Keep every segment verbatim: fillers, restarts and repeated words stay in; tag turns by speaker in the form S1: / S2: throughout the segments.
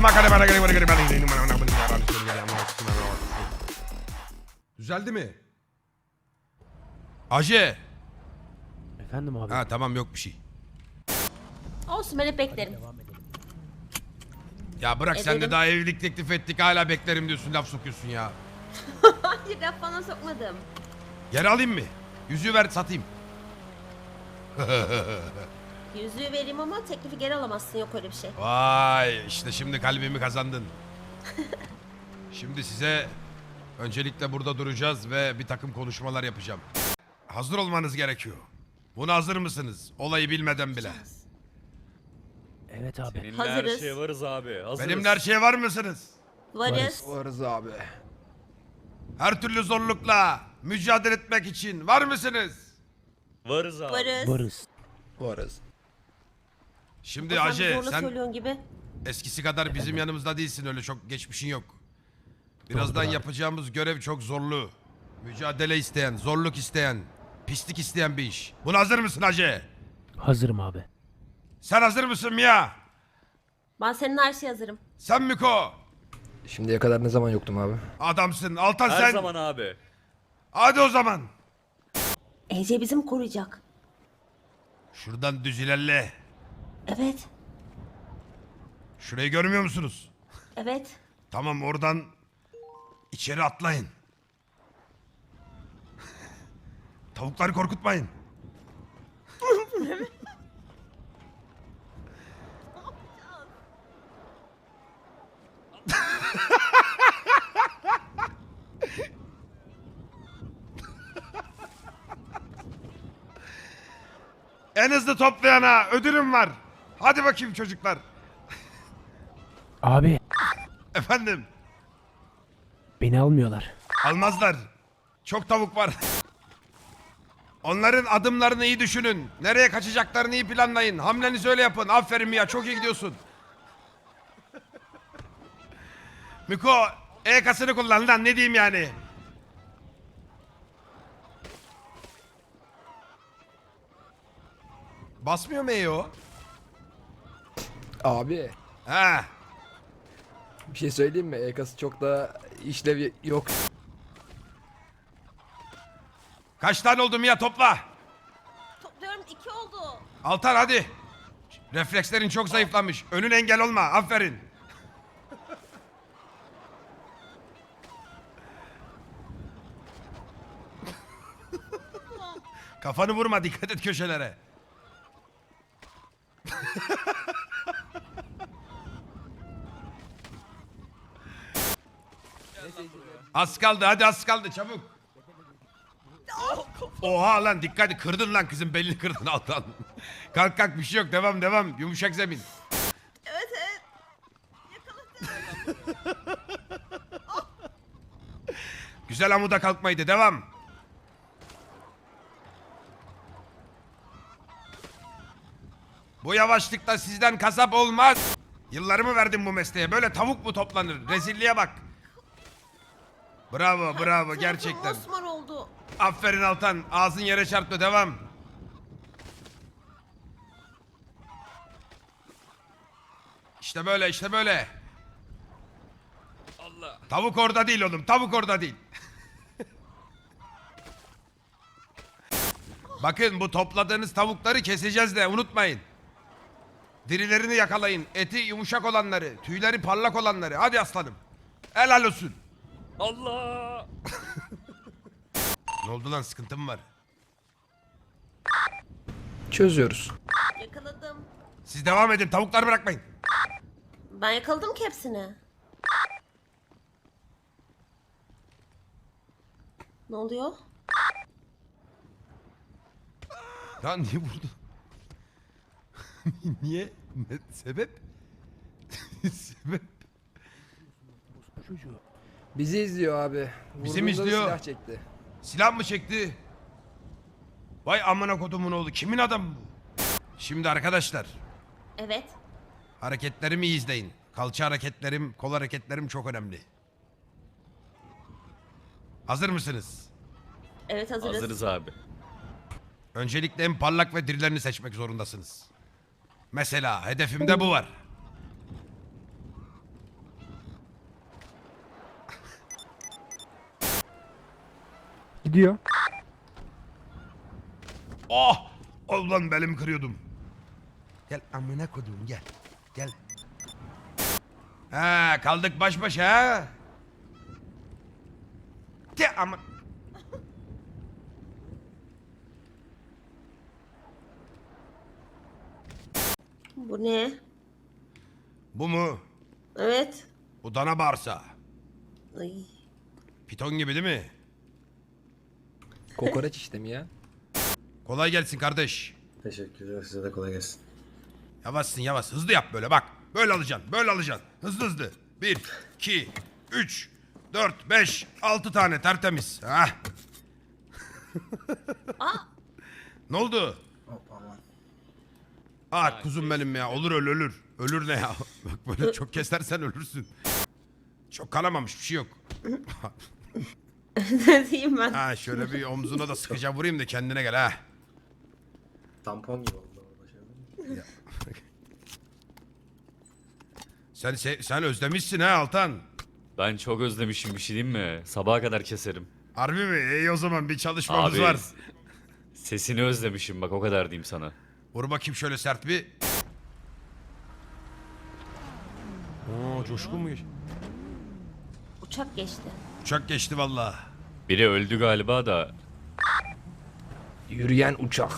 S1: Düzeldi mi? Aje.
S2: Efendim abi.
S1: Ha tamam yok bir şey.
S3: Olsun ben hep beklerim.
S1: Ya bırak sen de
S3: Ederim.
S1: daha evlilik teklif ettik hala beklerim diyorsun laf sokuyorsun ya.
S3: Hayır laf falan sokmadım.
S1: Geri alayım mı? Yüzüğü ver satayım.
S3: Yüzüğü vereyim ama teklifi geri alamazsın, yok öyle bir şey.
S1: Vay işte şimdi kalbimi kazandın. Şimdi size öncelikle burada duracağız ve bir takım konuşmalar yapacağım. Hazır olmanız gerekiyor. Buna hazır mısınız? Olayı bilmeden bile.
S2: Evet abi.
S4: Seninle
S3: Hazırız.
S4: her şeye varız abi. Hazırız.
S1: Benimle her şeye var mısınız?
S3: Varız.
S5: Varız abi.
S1: Her türlü zorlukla mücadele etmek için var mısınız?
S4: Varız abi.
S3: Varız.
S2: Varız.
S5: Varız.
S1: Şimdi
S3: Sen
S1: Aje
S3: zorla
S1: sen
S3: söylüyorsun gibi.
S1: eskisi kadar bizim yanımızda değilsin, öyle çok geçmişin yok. Birazdan
S2: Doğrudur abi.
S1: yapacağımız görev çok zorlu. Mücadele isteyen, zorluk isteyen, pislik isteyen bir iş. Buna hazır mısın Aje?
S2: Hazırım abi.
S1: Sen hazır mısın Mia?
S3: Ben senin her şeye hazırım.
S1: Sen Miko?
S5: Şimdiye kadar ne zaman yoktum abi?
S1: Adamsın. Altan
S4: Her
S1: sen.
S4: zaman abi.
S1: Hadi o zaman.
S3: Ece bizi mi koruyacak?
S1: Şuradan düz ilerle.
S3: Evet.
S1: Şurayı görmüyor musunuz?
S3: Evet.
S1: Tamam oradan içeri atlayın. Tavukları korkutmayın. En hızlı toplayana ödülüm var. Hadi bakayım çocuklar.
S2: Abi
S1: Efendim,
S2: beni almıyorlar.
S1: almazlar. Çok tavuk var. Onların adımlarını iyi düşünün. Nereye kaçacaklarını iyi planlayın. Hamlenizi öyle yapın. Aferin Mia, çok iyi gidiyorsun. Miko, E-kasını kullan lan, ne diyeyim yani. Basmıyor mu E'yi o?
S5: Abi
S1: Ha.
S5: bir şey söyleyeyim mi? E-kası çok da işlevi yok.
S1: Kaç tane oldu Mia, topla.
S3: Topluyorum, iki oldu.
S1: Altan hadi. Reflekslerin çok zayıflamış. Önün engel olma. Aferin. Kafanı vurma. Dikkat et köşelere. Az kaldı. Hadi az kaldı. Çabuk. Oha lan, dikkat et. Kırdın lan kızın belini, kırdın Altan. Kalk kalk, bir şey yok. Devam devam. Yumuşak zemin.
S3: Evet evet.
S1: Güzel amuda kalkmaydı. Devam. Bu yavaşlıkta sizden kasap olmaz. Yıllarımı verdim bu mesleğe. Böyle tavuk mu toplanır? Rezilliğe bak. Bravo bravo gerçekten.
S3: Osman oldu.
S1: Aferin Altan. Ağzın yere çarptı. Devam. İşte böyle işte böyle.
S4: Allah.
S1: Tavuk orada değil oğlum. Tavuk orada değil. Bakın, bu topladığınız tavukları keseceğiz de unutmayın. Dirilerini yakalayın. Eti yumuşak olanları, tüyleri parlak olanları. Hadi aslanım. Helal olsun.
S4: Allah.
S1: Ne oldu lan, sıkıntı mı var?
S5: Çözüyoruz.
S3: Yakaladım.
S1: Siz devam edin, tavukları bırakmayın.
S3: Ben yakaladım ki hepsini. Ne oluyor?
S1: Ya niye vurdun? Niye? Ne- Sebep? Sebep?
S2: Bu çocuğu.
S5: Bizi izliyor abi.
S1: Bizi mi
S5: Vurduğunda da
S1: izliyor?
S5: Silah çekti.
S1: Silah mı çekti? Vay amına kodumun oğlu, kimin adamı bu? Şimdi arkadaşlar,
S3: Evet.
S1: hareketlerimi iyi izleyin. Kalça hareketlerim, kol hareketlerim çok önemli. Hazır mısınız?
S3: Evet hazırız.
S4: Hazırız abi.
S1: Öncelikle en parlak ve dirilerini seçmek zorundasınız. Mesela hedefimde bu var.
S2: Gidiyor.
S1: Oh! Ulan belimi kırıyordum. Gel amına kodum gel. Gel. Ha kaldık baş başa ha. De ama.
S3: Bu ne?
S1: Bu mu?
S3: Evet.
S1: Bu dana bağırsağı.
S3: Ay.
S1: Piton gibi değil mi?
S5: Kokoreç işte mi ya?
S1: Kolay gelsin kardeş.
S6: Teşekkürler, size de kolay gelsin.
S1: Yavaşsın yavaş. Hızlı yap böyle bak. Böyle alacaksın. Böyle alacaksın. Hızlı hızlı. Bir, iki, üç, dört, beş, altı tane tertemiz. Hah. Ne oldu?
S6: Hoppa aman.
S1: Ah kuzum benim ya. Olur öl ölür. Ölür ne ya? Bak böyle çok kesersen ölürsün. Çok kanamamış bir şey yok.
S3: Ne diyeyim ben?
S1: Ha şöyle bir omzuna da sıkıca vurayım da kendine gel ha.
S6: Tampon gibi oldu orada şey.
S1: Sen se- sen özlemişsin ha Altan.
S4: Ben çok özlemişim, bir şey diyeyim mi? Sabaha kadar keserim.
S1: Harbi mi? İyi o zaman bir çalışmamız
S4: Abi
S1: var.
S4: sesini özlemişim, bak o kadar diyeyim sana.
S1: Vur bakayım şöyle sert bir. Oo coşkun mu? geç-
S3: Uçak geçti.
S1: Uçak geçti vallahi.
S4: Biri öldü galiba da.
S5: Yürüyen uçak.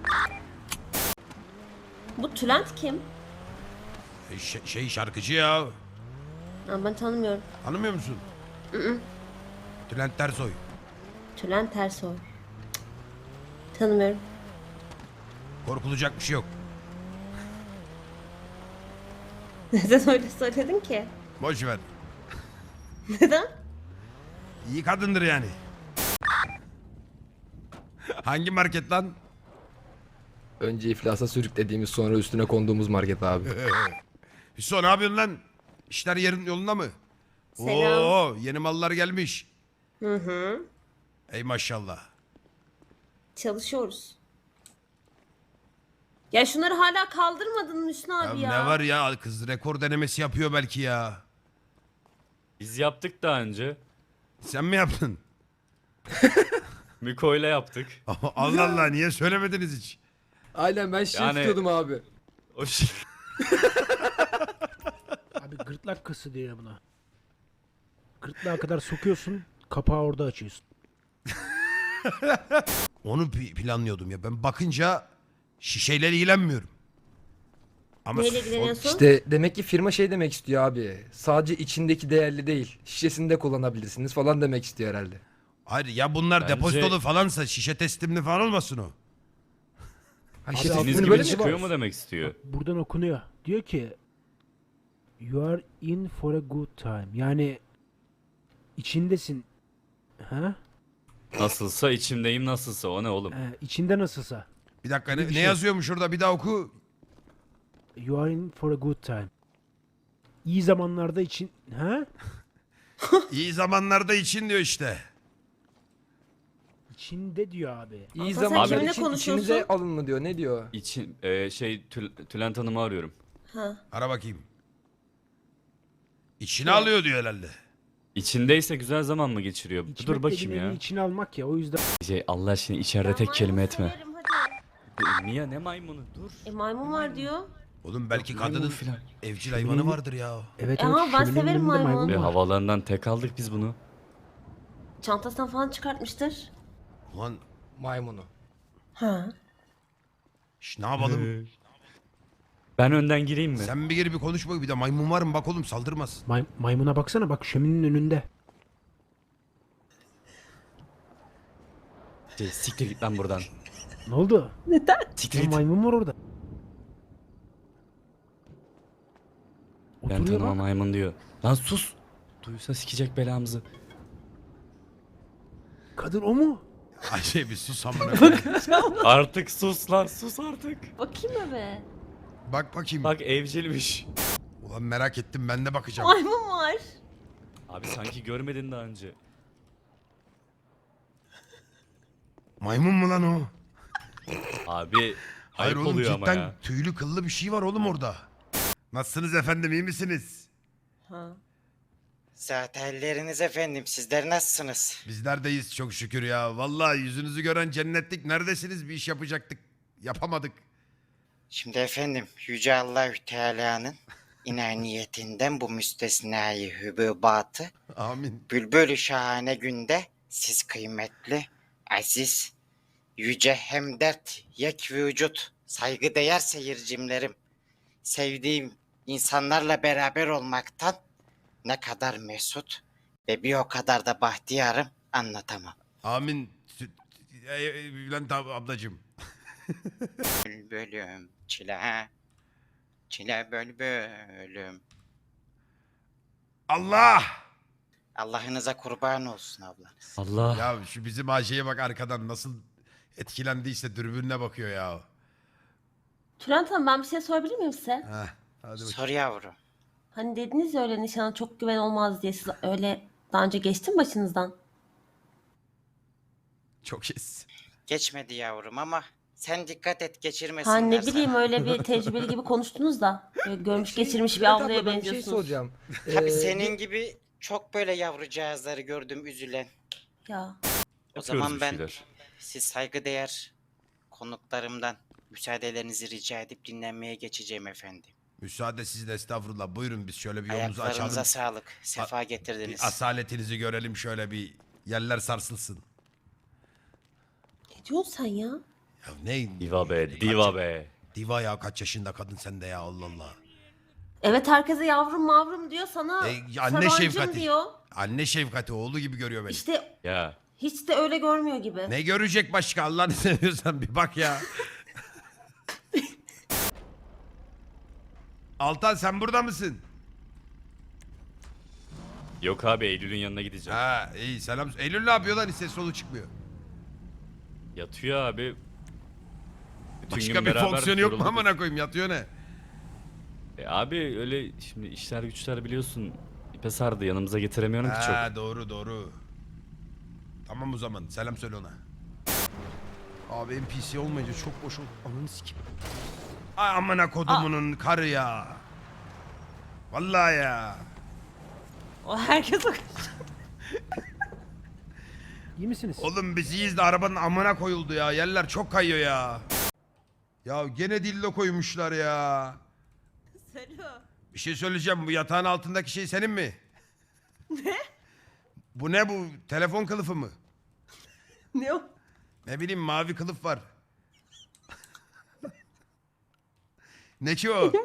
S3: Bu Tülent kim?
S1: E, Şey, şey şarkıcı ya.
S3: Ha, ben tanımıyorum.
S1: Tanımıyor musun? Bülent Ersoy.
S3: Tülent Tersoy. Tanımıyorum.
S1: Korkulacak bir şey yok.
S3: Neden öyle söyledin ki?
S1: Boş ver.
S3: Neden?
S1: İyi kadındır yani. Hangi market lan?
S5: Önce iflasa sürüklediğimiz sonra üstüne konduğumuz market abi.
S1: Hüso ne yapıyorsun lan? İşler yerin yolunda mı?
S3: Selam.
S1: Oo, yeni mallar gelmiş.
S3: Hı hı.
S1: Ey maşallah.
S3: Çalışıyoruz. Ya şunları hala kaldırmadın mı Hüsnü
S1: Ya
S3: abi ya?
S1: ne var ya kız rekor denemesi yapıyor belki ya.
S4: Biz yaptık daha önce.
S1: Sen mi yaptın?
S4: Miko'yla yaptık.
S1: Allah Allah niye söylemediniz hiç?
S5: Aynen ben şey
S4: Yani-
S5: tutuyordum abi.
S4: O şey...
S2: Abi gırtlak kası diyor buna. Gırtlağa kadar sokuyorsun, kapağı orada açıyorsun.
S1: Onu pi- planlıyordum ya. Ben bakınca şişeyle ilgilenmiyorum. Ama
S3: Neyle
S1: o-
S3: ilgileniyorsun?
S5: İşte demek ki firma şey demek istiyor abi. Sadece içindeki değerli değil. Şişesini de kullanabilirsiniz falan demek istiyor herhalde.
S1: Hayır ya bunlar
S4: Bence-
S1: depozitolu falansa şişe teslimli falan olmasın o.
S5: Ha
S2: Abi
S5: şişe
S2: altını
S4: Deniz
S5: teslimini
S4: gibi
S5: böyle mi?
S4: çıkıyor mu demek istiyor?
S2: Buradan okunuyor. Diyor ki You are in for a good time. Yani içindesin. Ha?
S4: Nasılsa içimdeyim, nasılsa o ne oğlum?
S2: Ee, içinde nasılsa.
S1: Bir dakika
S2: Bir
S1: ne, ne
S2: şey.
S1: yazıyormuş orada bir daha oku.
S2: You are in for a good time. İyi zamanlarda için... Ha?
S1: İyi zamanlarda için diyor işte.
S2: İçinde diyor abi.
S5: İyi
S3: Ama sen
S5: zamanlar
S3: kiminle
S5: için
S3: konuşuyorsun?
S5: içinize alın mı diyor. Ne diyor?
S4: İçin, e, şey Tül- Tülent Hanım'ı arıyorum.
S3: Ha.
S1: Ara bakayım. İçine alıyor diyor herhalde.
S4: İçindeyse güzel zaman mı geçiriyor?
S2: İçmek
S4: Dur bakayım
S2: dediğin
S4: ya.
S2: elini içine almak ya o yüzden.
S4: Şey, Allah aşkına içeride
S3: Ben
S4: tek kelime
S3: maymun
S4: etme.
S3: severim, hadi.
S4: Mia ne maymunu, dur.
S3: E maymun var diyor.
S1: Oğlum belki
S4: maymun
S1: kadının
S4: filan.
S1: evcil hayvanı vardır ya.
S2: Evet
S3: Ama
S2: evet.
S3: ben
S2: şöminenin
S3: severim
S2: önünde
S3: maymun.
S4: Ve
S2: var.
S4: havalarından tek aldık biz bunu.
S3: Çantasından falan çıkartmıştır.
S1: Ulan
S5: Maymunu.
S3: Ha.
S1: şş, ne yapalım?
S4: Ben önden gireyim mi?
S1: Sen bir gir bir konuş bak bir de maymun var mı bak oğlum saldırmaz.
S2: May- maymuna baksana bak şöminenin önünde.
S4: Şey, siktir git lan buradan.
S2: Ne oldu?
S4: Siktir
S2: Ya
S4: git.
S2: maymun var orada.
S4: Ben
S2: Oturuyor
S4: tanımam
S2: bak.
S4: maymun diyor. Lan sus. Duysa sikecek belamızı.
S2: Kadın o mu?
S1: Ay şey bir sus amına koyayım.
S4: Artık sus lan, sus artık.
S3: Bakayım eve.
S1: Bak bakayım.
S4: Bak evcilmiş.
S1: Ulan merak ettim ben de bakacağım.
S3: Maymun var.
S4: Abi sanki görmedin daha önce.
S1: Maymun mu lan o?
S4: Abi
S1: Hayır
S4: ayıp
S1: oğlum
S4: oluyor ama
S1: cidden
S4: ya.
S1: tüylü kıllı bir şey var oğlum orada. Nasılsınız efendim iyi misiniz?
S3: Ha.
S7: Zaten elleriniz efendim. Sizler nasılsınız?
S1: Bizlerdeyiz çok şükür ya. Vallahi yüzünüzü gören cennetlik. Neredesiniz? Bir iş yapacaktık. Yapamadık.
S7: Şimdi efendim Yüce Allahü Teala'nın inaniyetinden bu müstesnai hübubatı
S1: Amin.
S7: bülbül şahane günde siz kıymetli, aziz, yüce hemdert, yek vücut, saygıdeğer seyircimlerim, sevdiğim insanlarla beraber olmaktan ne kadar mesut ve bir o kadar da bahtiyarım anlatamam.
S1: Amin. Sü- e, e, Bülent ab- ablacığım.
S7: Bülbülüm çile, çile bülbülüm.
S1: Allah!
S7: Allah'ınıza kurban olsun ablanız.
S4: Allah.
S1: Ya şu bizim Ayşe'ye bak arkadan nasıl etkilendiyse dürbününe bakıyor ya.
S3: Tülent Hanım, ben bir şey sorabilir miyim size?
S1: Heh, hadi bakayım.
S7: Sor yavrum.
S3: Hani dediniz ya öyle nişana çok güven olmaz diye, siz öyle daha önce geçti mi başınızdan?
S1: Çok şes.
S7: Geçmedi yavrum ama sen dikkat et geçirmesinler
S3: Ha ne
S7: sana.
S3: bileyim, öyle bir tecrübeli gibi konuştunuz da. Böyle görmüş geçirmiş bir
S5: Bülent abla,
S3: ablaya
S5: ben bir şey
S3: benziyorsunuz.
S5: soracağım.
S7: Tabii
S5: Ee,
S7: senin gibi çok böyle yavrucağızları gördüm üzülen.
S3: Ya
S7: O
S4: Yapıyoruz
S7: zaman
S4: bir
S7: ben
S4: şeyler.
S7: siz saygıdeğer konuklarımdan müsaadelerinizi rica edip dinlenmeye geçeceğim efendim.
S1: Müsaade sizin estağfurullah. Buyurun biz şöyle bir yolumuzu
S7: Ayaklarınıza
S1: açalım.
S7: sağlık. Sefa
S1: Bir
S7: getirdiniz.
S1: asaletinizi görelim şöyle bir yerler sarsılsın.
S3: ne diyorsun sen ya?
S1: Ya ne?
S4: Diva be, diva be.
S1: Diva ya kaç yaşında kadın sen de ya Allah Allah.
S3: Evet, herkese yavrum mavrum diyor, sana
S1: E, anne
S3: Sarancım
S1: şefkati.
S3: diyor.
S1: Anne şefkati oğlu gibi görüyor beni.
S3: İşte
S4: Ya.
S3: hiç de öyle görmüyor gibi.
S1: Ne görecek başka Allah'ını seviyorsan bir bak ya. Altan sen burada mısın?
S4: Yok abi, Eylül'ün yanına gideceğim.
S1: Ha iyi selam. Eylül ne yapıyor lan hiç ses solu çıkmıyor.
S4: Yatıyor abi. Bütün
S1: Başka
S4: gün
S1: bir
S4: beraber
S1: fonksiyonu yok mu
S4: yorulduk.
S1: amına koyayım yatıyor ne?
S4: E abi öyle şimdi işler güçler biliyorsun. İpe sardı, yanımıza getiremiyorum ki çok.
S1: Ha doğru doğru. Tamam o zaman selam söyle ona. Abi N P C olmayınca çok boş oldu. Ananı sikim. Ay amına kodumunun karı ya. Vallahi ya.
S3: O herkes o.
S2: İyi misiniz?
S1: Oğlum biz iyiyiz de arabanın amına koyuldu ya. Yerler çok kayıyor ya. Ya gene dildo koymuşlar ya.
S3: Selo.
S1: Bir şey söyleyeceğim. Bu yatağın altındaki şey senin mi? Ne? Bu ne bu? Telefon kılıfı mı?
S3: Ne o?
S1: Ne bileyim mavi kılıf var. Ne ki o?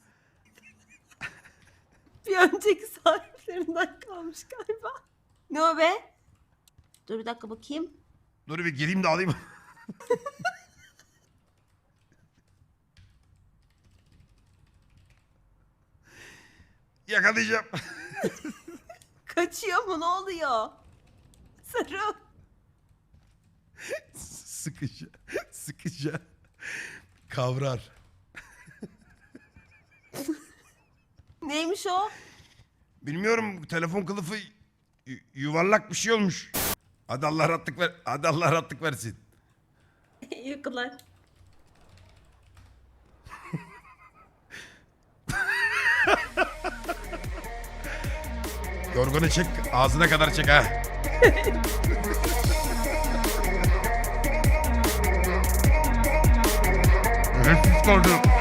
S3: Bir önceki sahiplerinden kalmış galiba. Ne o be? Dur bir dakika bakayım.
S1: Dur bir gireyim de alayım. Yakalayacağım.
S3: Kaçıyor mu, ne oluyor? Sarı.
S1: Sıkıca. Sıkıca. Kavrar.
S3: Neymiş o?
S1: Bilmiyorum telefon kılıfı yu- yuvarlak bir şey olmuş. Hadi Allah rahatlık ver. Hadi Allah rahatlık versin.
S3: Yıkılar.
S1: Yorganı çek, ağzına kadar çek ha. Nefis oldu.